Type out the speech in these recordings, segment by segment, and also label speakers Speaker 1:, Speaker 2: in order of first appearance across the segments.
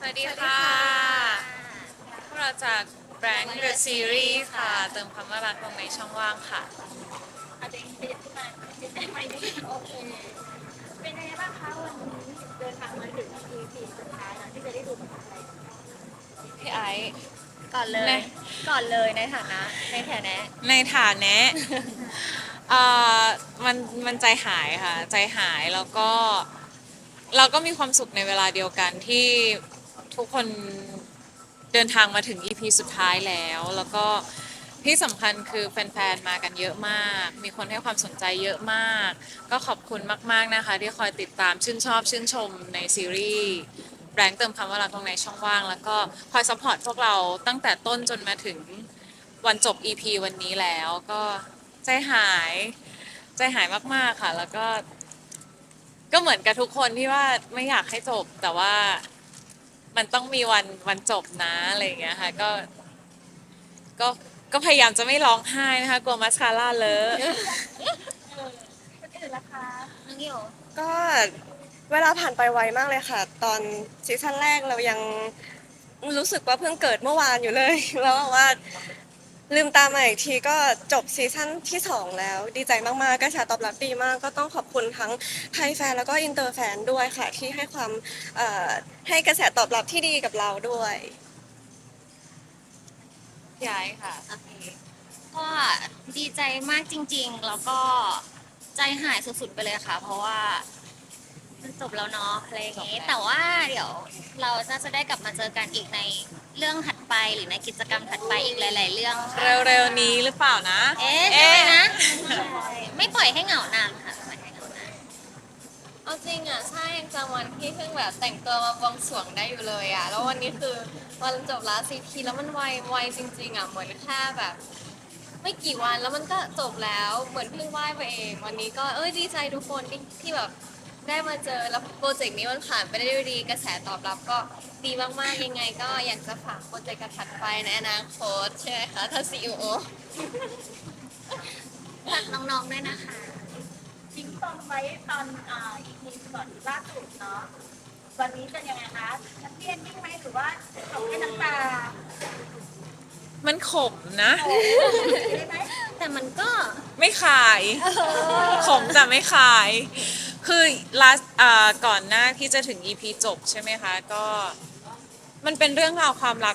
Speaker 1: วัสดีค่ะพวกเราจาก Blank The Series ค่ะเติมความน่ารักลงในช่องว่างค่ะ
Speaker 2: อาจจะขยับขึ้นมานิดไหมโอเคเป็นไงบ้างคะวันนี้เดินทางมาถึง EP สุดท้ายแล้วที่จะได้ดูกันอะไร
Speaker 1: พี่ไอซ์
Speaker 2: ก่อนเล
Speaker 1: ใน
Speaker 2: ยในฐานะ
Speaker 1: ในฐานะเอ่อมันมันใจหายค่ะใจหายแล้วก็เราก็มีความสุขในเวลาเดียวกันที่ทุกคนเดินทางมาถึง EP สุดท้ายแล้วก็ที่สำคัญคือแฟนๆมากันเยอะมาก มีคนให้ความสนใจเยอะมาก ก็ขอบคุณมากๆนะคะที่คอยติดตามชื่นชอบชื่นชมในซีรีส์แบงค์เติมคำว่ารักตรงในช่องว่างแล้วก็คอยซัพพอร์ตพวกเราตั้งแต่ต้นจนมาถึงวันจบ EP วันนี้แล้วก็ใจหายใจหายมากๆค่ะแล้วก็เหมือนกับทุกคนที่ว่าไม่อยากให้จบแต่ว่ามันต้องมีวันจบนะอะไรอย่างเงี้ยค่ะก็ก็พยายามจะไม่ร้องไห้นะคะกลัวมัสคาร่าเลอะ
Speaker 2: คนอื่นล่ะคะน้องโย
Speaker 3: ก็เวลาผ่านไปไวมากเลยค่ะตอนซีซั่นแรกเรายังรู้สึกว่าเพิ่งเกิดเมื่อวานอยู่เลยแล้วว่าลืมตามาอีกทีก็จบซีซั่นที่สองแล้วดีใจมากๆกระแสตอบรับดีมากก็ต้องขอบคุณทั้งไทยแฟนแล้วก็อินเตอร์แฟนด้วยค่ะที่ให้ความเอ่อให้กระแสตอบรับที่ดีกับเราด้วย
Speaker 1: ย้ายค่ะ
Speaker 2: โอเคก็ดีใจมากจริงๆแล้วก็ใจหายสุดๆไปเลยค่ะเพราะว่ามันจบแล้วเนาะอะไรอย่างงี้แต่ว่าเดี๋ยวเราจะได้กลับมาเจอกันอีกในเรื่องถัดไปหรือในกิจกรรมถัดไปอีกหลายๆเรื่องค่ะ
Speaker 1: เร็วๆนี้หรือเปล่านะ
Speaker 2: เอ๊ะใช่ไหมนะใช่ไม่ปล่อยให้เหงานานค่ะไม่ปล่อยให้เหงานาน
Speaker 4: เอาจริงอ่ะใช่ยังจำวันที่เพิ่งแบบแต่งตัวมาบวงสรวงได้อยู่เลยอ่ะแล้ววันนี้คือวันจบลาซีพีแล้วมันไวจริงๆอ่ะเหมือนแค่แบบไม่กี่วันแล้วมันก็จบแล้วเหมือนเพิ่งไหว้ไปเองวันนี้ก็ดีใจทุกคนที่แบบได้มาเจอแล้วโปรเจกต์นี้มันผ่านไปได้ด้วยดีกระแสตอบรับก็ดีมากๆยังไงก็อยากจะฝากโปรเจกต์ถัดไปในอนาคตใช่ไหมคะถ้าซีอีโอ
Speaker 2: ฝากน้องๆด้วยนะคะ
Speaker 4: ทิ้งปมไว้ตอนEP ก่อนล่าสุดเนาะวันนี้จะยังไงคะนักเรียนยิ่งไหมหรือว่าตกให้น้ำตา
Speaker 1: มันขมนะ
Speaker 4: ได้ไหม
Speaker 2: แต่มันก็
Speaker 1: ไม่ขายขมแต่ไม่ขาย คือก่อนหน้าที่จะถึง EP จบใช่ไหมคะก็มันเป็นเรื่องราวความรัก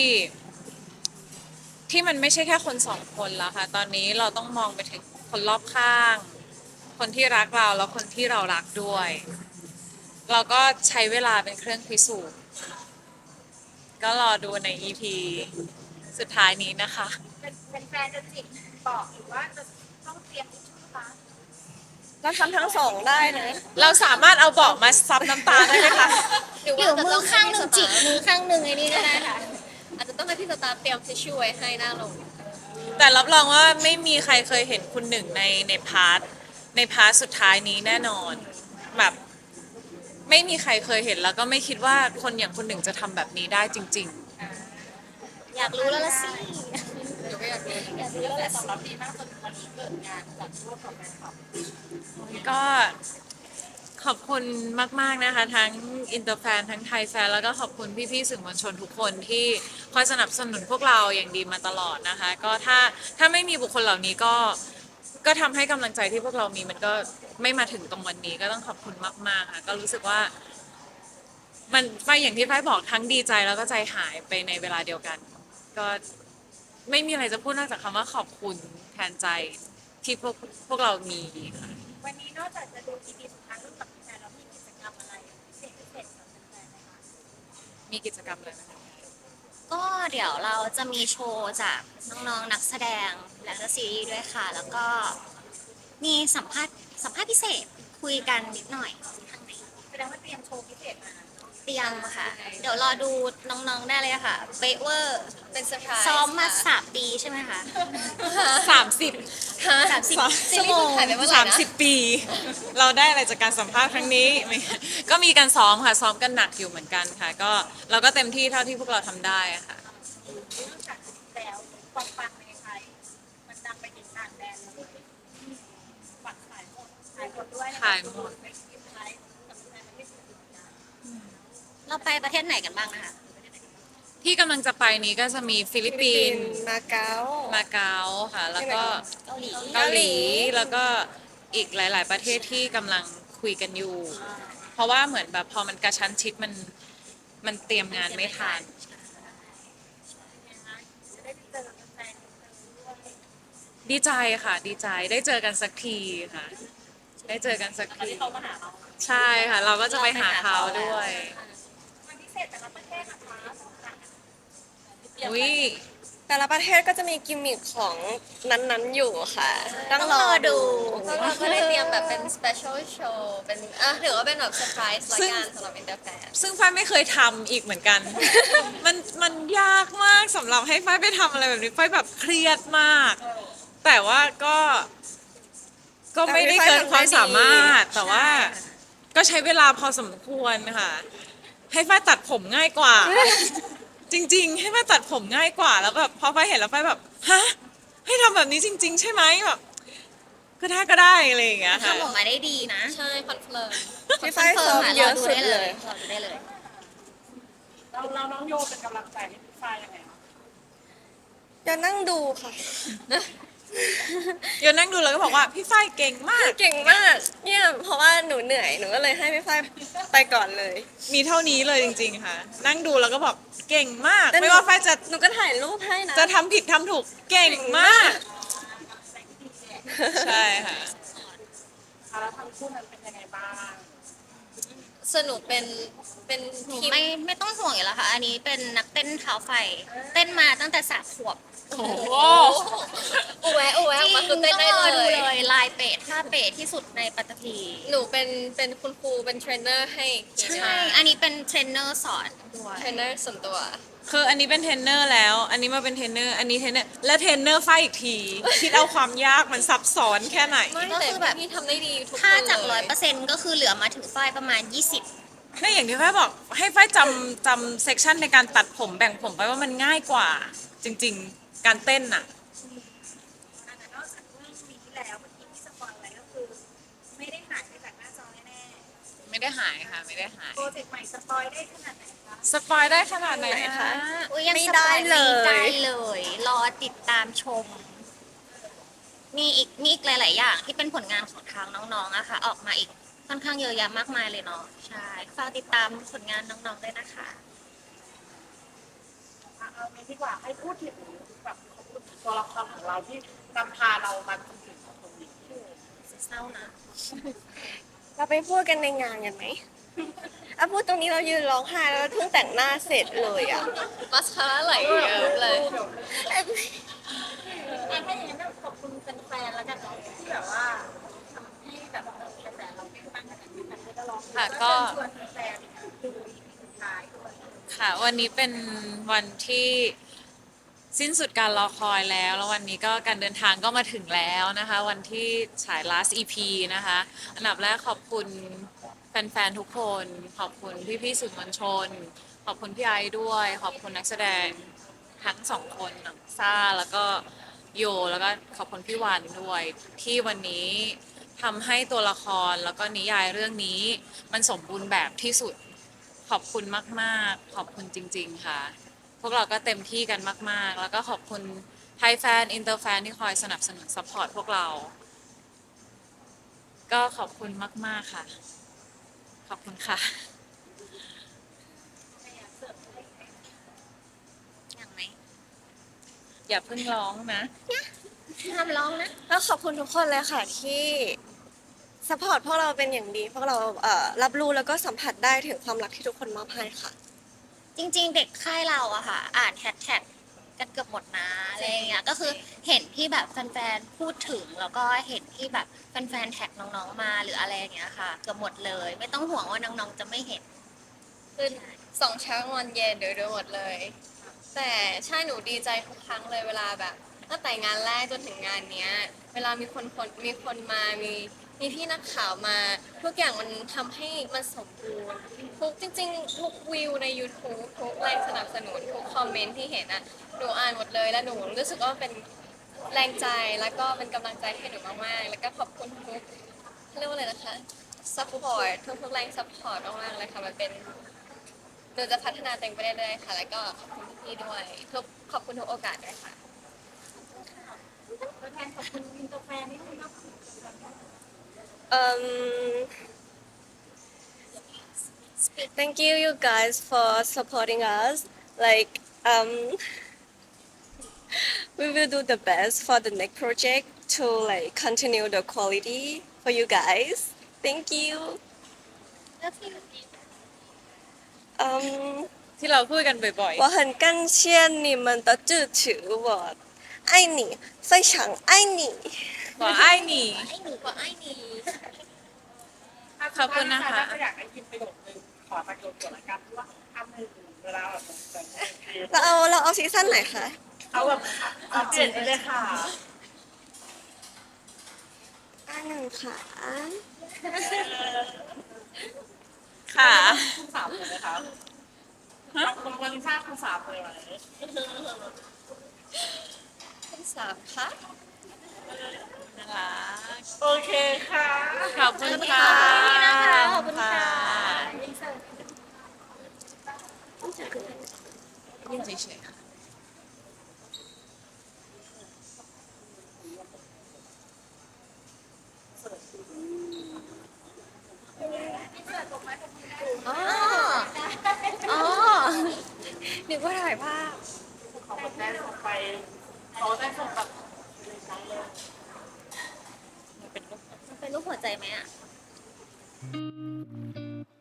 Speaker 1: ที่มันไม่ใช่แค่คนสองคนแล้วค่ะตอนนี้เราต้องมองไปถึงคนรอบข้าง คนที่รักเราแล้วคนที่เรารักด้วย เราก็ใช้เวลาเป็นเครื่องพิสูจน์ก็รอดูใน EP สุดท้ายนี้นะคะ
Speaker 4: เป็นแฟนจะจิกบอกหรือว่าจะต้องเตรียมทิชชู่คะ
Speaker 3: เราทำทั้งสองได้นะ
Speaker 1: เราสามารถเอาเบาะมาซับน้ำตาได้ไหมคะ
Speaker 4: หรือ
Speaker 2: หรื
Speaker 4: ว่า
Speaker 2: อ
Speaker 4: จะ
Speaker 2: มื
Speaker 4: ต้
Speaker 2: อ
Speaker 4: อง
Speaker 2: ข้างหนึ่งจิกมือข้างหนึ่งไอ้นี่ก็ได้ค่ะ
Speaker 4: อาจจะต้องให้พี่สตาร์เตรียมทิชชู่ไว้ให้หน้าลง
Speaker 1: แต่รับรองว่าไม่มีใครเคยเห็นคุณหนึ่งในพาร์ทสุดท้ายนี้แน่นอนแบบไม่มีใครเคยเห็นแล้วก็ไม่คิดว่าคนอย่างคุณหนึ่งจะทำแบบนี้ได้จริง
Speaker 2: อยากรู้แล้วละสิ
Speaker 4: เดี๋ยวก็อยากรู้อยากรู้แล้วแต่ตอบรับดีมากจนวันนี้เกิดงานจัดร่วมกับแฟนคลับ
Speaker 1: ๆก็ขอบคุณมากๆนะคะทั้งอินเตอร์แฟนทั้งไทยแฟนแล้วก็ขอบคุณพี่ๆสื่อมวลชนทุกคนที่คอยสนับสนุนพวกเราอย่างดีมาตลอดนะคะก็ถ้าไม่มีบุคคลเหล่านี้ก็ทำให้กำลังใจที่พวกเรามีมันก็ไม่มาถึงตรงวันนี้ก็ต้องขอบคุณมากๆค่ะก็รู้สึกว่ามันไฟอย่างที่ไฟบอกทั้งดีใจแล้วก็ใจหายไปในเวลาเดียวกันก็ไม่มีอะไรจะพูดนอกจากคำว่าขอบคุณแทนใจที่พวกเรามีค่ะ
Speaker 4: วันนี้นอกจากจะดู EP สุดท้ายร่วมกับแฟนแล้วมีกิจกรรมอะไรพิเศษกับแฟนๆไหมคะ
Speaker 1: มีกิจกรรมอะไรไหมคะ
Speaker 2: ก็เดี๋ยวเราจะมีโชว์จากน้องๆนักแสดงและก็ซีรีส์ด้วยค่ะ แล้วก็มีสัมภาษณ์พิเศษคุยกันนิดหน่อยข้างใน
Speaker 4: แสดงว่าเตรียมโชว์พิเศษมา
Speaker 2: เตรียมค่ะ เดี๋ยวรอดูน้องๆได้เลยค่ะเป๊ะเวอร์
Speaker 4: เป็นเซอร์ไพรส์
Speaker 2: ซ้อมมา3 ปีใช่ไหมคะ
Speaker 1: 30
Speaker 2: 30 ชั่วโมง
Speaker 1: 30 ปี เราได้อะไรจากการสัมภาษณ์ครั้งนี้ไม่ก็มีการซ้อมค่ะซ้อมกันหนักอยู่เหมือนกันค่ะก็เราก็เต็มที่เท่าที่พวกเราทำได้อะค่ะ
Speaker 4: นอกจากนี้แล้วความปังในไทยมันดังไปถึงต่างแดนเลยปักขายหมดด้วย
Speaker 1: ขายหมด
Speaker 4: ในคลิปไทยกับแฟนประเทศอื่นๆนะ
Speaker 2: รเราไปประเทศไหนกันบ้างนะคะ
Speaker 1: ที่กำลังจะไปนี้ก็จะมีฟิลิปปินส์
Speaker 3: มาเก๊า
Speaker 1: มาเก๊าค่ะ แล้วก็
Speaker 2: เกาหลี
Speaker 1: เกาหลีแล้วก็อีกหลาย ๆ ประเทศที่กำลังคุยกันอยู่ เพราะว่าเหมือนแบบพอมันกระชั้นชิดมันเตรียมงานไม่ทันดีใจค่ะดีใจได้เจอกันสักทีค่ะ ได้เจอกันสักทีใช่ค่ะ เราก็จะไปหาเขาด้วยอุ้ย
Speaker 3: แต่ละประเทศก็จะมีกิมมิคของนั้นๆอยู่ค่ะ ต้องรอดู
Speaker 4: พวกเราก็ได้เตรียมแบบเป็น special show เป็นถือว่าเป็นแบบเซอร์ไพรส์ละกันสำหรับอินเตอร์แฟน
Speaker 1: ซึ่งฝ้ายไม่เคยทำอีกเหมือนกัน มันยากมากสำหรับให้ฝ้ายไปทำอะไรแบบนี้ฝ้ายแบบเครียดมาก แต่ว่าก็ไม่ได้เกินความสามารถ แต่ว่าก็ใช้เวลาพอสมควรค่ะ ให้ฝ้ายตัดผมง่ายกว่า จริง ๆ ให้ฝ้ายตัดผมง่ายกว่า แล้วแบบพอฝ้ายเห็นแล้วฝ้ายแบบฮะให้ทำแบบนี้จริง ๆ ใช่ไหมแบบก็ได้อะไรอย่างเงี้ยค่ะ
Speaker 2: ทำออกมาได้ดีนะ
Speaker 4: ใช่คอนเฟิร์ม
Speaker 3: พี่ฝ้ายซ้อมเยอะสุดเลย
Speaker 2: รอดูได้เลย
Speaker 5: เราน้องโยเป็นกำลังใจให้พี่ฝ้ายยังไงคะ
Speaker 3: จะนั่งดูค่ะ
Speaker 1: เดี๋ยวนั่งดูแล้วก็บอกว่าพี่ฝ้ายเก่งมาก
Speaker 3: เก่งมาก เนี่ย เพราะว่าหนูเหนื่อย หนูก็เลยให้พี่ฝ้ายไปก่อนเลย
Speaker 1: มีเท่านี้เลยจริง ๆ ค่ะ นั่งดูแล้วก็บอกเก่งมาก
Speaker 3: แต่หนู
Speaker 1: ไม่ว่าฝ้ายจะ
Speaker 3: หนูก็ถ่ายรูปให้นะ
Speaker 1: จะทำผิดทำถูกเก่งมาก ใช่ค่ะ
Speaker 5: แล้วทั้งคู่นั้นเป็นยังไงบ้าง
Speaker 4: สนุกเป็น
Speaker 2: หนู
Speaker 4: ทีม
Speaker 2: ไม่ต้องห่วงอยู่แล้วค่ะ อันนี้เป็นนักเต้นเท้าไฟ เต้นมาตั้งแต่3 ขวบ
Speaker 1: โอ้โห
Speaker 4: อูแวะออกมาคือเต้นได้
Speaker 2: ต้องรอ
Speaker 4: เล
Speaker 2: ดู
Speaker 4: ย
Speaker 2: เลยลายเป๊ะท่าเป๊ะที่สุดในปัตตภี
Speaker 4: หนูเป็นคุณครูเป็นเทรนเนอร์ให้
Speaker 2: ใช่ อันนี้เป็นเทรนเนอร์สอนด้วย
Speaker 4: เทรนเนอร์ส่วนตัว
Speaker 1: คืออันนี้เป็นเทรนเนอร์แล้ว อันนี้มาเป็นเทรนเนอร์ อันนี้เทรนเนอร์ และเทรนเนอร์ฝ้ายอีกที คิดเอาความยากมันซับซ้อนแค่ไหน
Speaker 4: ไม่
Speaker 2: ก็
Speaker 4: แต่
Speaker 2: คือแบบ
Speaker 4: พี่ทำได้ดีทุกคน
Speaker 2: ถ้าจาก
Speaker 4: เลย
Speaker 2: 100%ก็คือเหลือมาถึงฝ้ายประมาณ 20
Speaker 1: นั่นอย่างที่ฝ้ายบอกให้ฝ้ายจำเซกชันในการตัดผมแบ่งผมไปว่ามันง่ายกว่า จริง ๆ การเต้นน่ะ
Speaker 6: แต่นอกจากเรื่องปีที่แล้วเมื่อกี้ที่สปอยไว้ก็คือไม่ได้หายไปจากหน้าจอแน่
Speaker 1: ไม่ได้หายค่ะ ไม่ได้หาย
Speaker 6: ๆโปรเจกต์ใหม่สปอยได้ขนาดไหนคะ
Speaker 1: สปอยได้ขนาดไหน
Speaker 3: ไหน
Speaker 1: คะ
Speaker 3: คะ
Speaker 2: อุ๊ยยัง
Speaker 3: ไม่
Speaker 2: สป
Speaker 3: ได้
Speaker 2: อย
Speaker 3: เลย
Speaker 2: ไม่ได้เลย รอติดตามชม มีอีกหลาย ๆ อย่างที่เป็นผลงานของทางน้อง ๆอะค่ะ ออกมาอีกค่อนข้างเยอะแยะมากมายเลยเนาะ ใช่ ฝากติดตามผลงานน้อง ๆ ด้วยนะคะ
Speaker 5: เอางี้ดีกว่าให้พูดถึงแบบตัวละครของเราที่นำพาเรามาถึงตรงนี้
Speaker 2: เศร้านะ
Speaker 3: เราไปพูดกันในงานกันไหมอ่ะพูดตรงนี้เรายืนร้องไห้แล้วเพิ่งแต่งหน้าเสร็จเลยอ่ะ
Speaker 4: มัสคาร่าไหลเยอะเลย
Speaker 6: ถ้าอย่างนั้นขอบคุณแฟนๆแล้วกันเนาะที่แบบว่าทำให้แบบกระแสเราเป็นบ้างขนาดนี้มันก็ลอง
Speaker 1: ค่ะก็
Speaker 6: ชวนแฟนๆดูอีพีสุดท้ายด้วย
Speaker 1: ค่ะวันนี้เป็นวันที่สิ้นสุดการรอคอยแล้ว แล้ววันนี้ก็การเดินทางก็มาถึงแล้วนะคะ วันที่ฉาย last EP นะคะ อันดับแรกขอบคุณแฟนๆทุกคน ขอบคุณพี่ๆสื่อมวลชน ขอบคุณพี่ไอซ์ด้วย ขอบคุณนักแสดงทั้งสองคนน้องซ่าแล้วก็โยแล้วก็ขอบคุณพี่วันด้วย ที่วันนี้ทำให้ตัวละครแล้วก็นิยายเรื่องนี้มันสมบูรณ์แบบที่สุด ขอบคุณมาก ๆ ขอบคุณจริง ๆ ค่ะ พวกเราก็เต็มที่กันมาก ๆ แล้วก็ขอบคุณไทยแฟน อินเตอร์แฟนที่คอยสนับสนุนซัพพอร์ตพวกเรา ก็ขอบคุณมาก ๆ ค่ะ ขอบคุณค่ะ
Speaker 2: อย่างไหม
Speaker 1: อย่าเพิ่งร้องนะ
Speaker 2: ห้ามร้องนะ
Speaker 3: แล้วขอบคุณทุกคนเลยค่ะที่สปอร์ตพวกเราเป็นอย่างดี พวกเรารับรู้แล้วก็สัมผัสได้ถึงความรักที่ทุกคนมอบให้ค่ะ
Speaker 2: จริง ๆ เด็กค่ายเราอะค่ะ อ่านแฮชแท็กกันเกือบหมดนะอะไรอย่างเงี้ย ก็คือเห็นที่แบบแฟนๆพูดถึงแล้วก็เห็นที่แบบแฟนๆแท็กน้องๆมาหรืออะไรอย่างเงี้ยค่ะ เกือบหมดเลย ไม่ต้องห่วงว่าน้องๆจะไม่เห็น
Speaker 4: คือ2 เช้ากลางวันเย็นเดี๋ยวดูหมดเลย แต่ใช่หนูดีใจทุกครั้งเลยเวลาแบบตั้งแต่งานแรกจนถึงงานเนี้ย เวลามีคนมามีพี่นักข่าวมา ทุกอย่างมันทำให้มันสมบูรณ์ทุกจริงๆ ทุกวิวใน YouTube ทุกแรงสนับสนุนทุกคอมเมนต์ที่เห็นอ่ะหนูอ่านหมดเลยแล้วหนูรู้สึกว่าเป็นแรงใจแล้วก็เป็นกำลังใจให้หนูมากๆแล้วก็ขอบคุณทุกเรียกว่าอะไรนะคะ support ทุกแรง support มากๆเลยค่ะมันเป็นหนูจะพัฒนาตัวเองไปเรื่อยๆค่ะ แล้วก็ขอบคุณพี่ๆด้วยขอบคุณทุกโอกาสด้วยค่ะ
Speaker 6: ตัวแทนขอบคุณอินเตอร์แฟนนิดนึงเนาะ
Speaker 3: Um, thank you, you guys, for supporting us. Like, we will do the best for the next project to like continue the quality for you guys. Thank you. Um,
Speaker 1: ที่เราพูดกันบ่อย
Speaker 3: 我很感谢你们的支持，我爱你，非常爱你。
Speaker 1: ๆบอกไอ้หนี
Speaker 2: ไอ้หนูก็ไอ้หนี
Speaker 1: ขอบคุณนะคะ
Speaker 5: ถ้าอยากได้ยินประโยคนึงขอประโยคเกี่ยวกับการที่ว่าทำหนึ่งเวลาแบบ
Speaker 3: เราเอาซีซั่นไหนคะ
Speaker 5: เอาแบบเอาเปลี่ยนไปเลยค่ะ
Speaker 3: อันหนึ่งค่ะ
Speaker 1: ค่ะ
Speaker 5: คุณสามเลยไหมคะคุณวันนี้ทราบคุณสามเลยไหม
Speaker 4: คุณสามคะ
Speaker 1: น่ารัก
Speaker 5: โอเคค่ะ
Speaker 1: ขอบคุณค่ะ
Speaker 2: ขอบคุณค่ะ
Speaker 1: ยื่นเฉยๆค่ะ
Speaker 2: อ๋อ อ๋อนึกว่าถ่ายภาพ
Speaker 5: เขาได้ส่งไปเขาได้ส่งแบบ
Speaker 2: มันเป็นรูปหัวใจไหมอ่ะ